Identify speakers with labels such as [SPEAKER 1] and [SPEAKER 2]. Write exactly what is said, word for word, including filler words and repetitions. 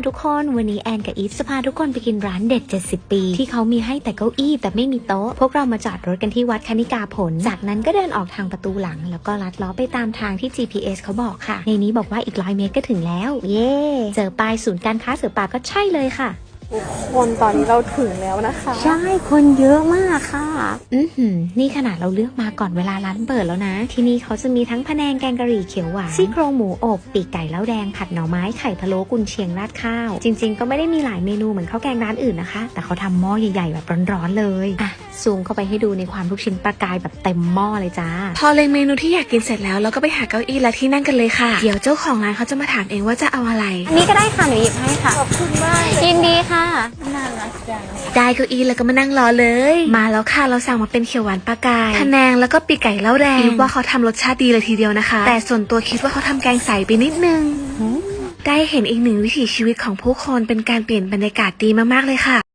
[SPEAKER 1] ทุกคนวันนี้แอนกับอีฟจะพาทุกคนไปกินร้านเด็ดเจ็ดสิบปีที่เขามีให้แต่เก้าอี้แต่ไม่มีโต๊ะพวกเรามาจอดรถกันที่วัดคณิกาผลจากนั้นก็เดินออกทางประตูหลังแล้วก็ลัดล้อไปตามทางที่ จี พี เอส เขาบอกค่ะในนี้บอกว่าอีกร้อยเมตรก็ถึงแล้วเย่เจอป้ายศูนย์การค้าเสือป่าก็ใช่เลยค่ะ
[SPEAKER 2] ทุกคนตอนนี้เราถึงแล้วนะคะ
[SPEAKER 1] ใช่คนเยอะมากค่ะอือหือนี่ขนาดเราเลือกมาก่อนเวลาร้านเปิดแล้วนะที่นี่เขาจะมีทั้งพะแนงแกงกะหรี่เขียวหวานซี่โครงหมูอบปีกไก่เล้าแดงผัดหน่อไม้ไข่พะโล้กุนเชียงราดข้าวจริงๆก็ไม่ได้มีหลายเมนูเหมือนข้าวแกงร้านอื่นนะคะแต่เขาทำหม้อใหญ่ๆแบบร้อนๆเลยอ่ะซูมเข้าไปให้ดูในความลูกชิ้นปลากายแบบเต็มหม้อเลยจ้า
[SPEAKER 3] พอเล็งเมนูที่อยากกินเสร็จแล้วเราก็ไปหาเก้าอี้และที่นั่งกันเลยค่ะเดี๋ยวเจ้าของร้านเขาจะมาถามเองว่าจะเอาอะไร
[SPEAKER 1] อันนี้ก็ได้ค่ะหนูหยิบให้ค่ะ
[SPEAKER 2] ขอบคุณมาก
[SPEAKER 1] ยินดีค่ะ
[SPEAKER 2] น่ารักจัง
[SPEAKER 3] ได้เก้าอี้แล้วก็มานั่งรอเลยมาแล้วค่ะเราสั่งมาเป็นเขียวหวานปลากายพะแนงแล้วก็ปีกไก่เล้าแดงคิดว่าเขาทำรสชาติดีเลยทีเดียวนะคะแต่ส่วนตัวคิดว่าเขาทำแกงใสไปนิดนึงได้เห็นอีกหนึ่งวิถีชีวิตของผู้คนเป็นการเปลี่ยนบรรยากาศดีมากๆเลยค่ะ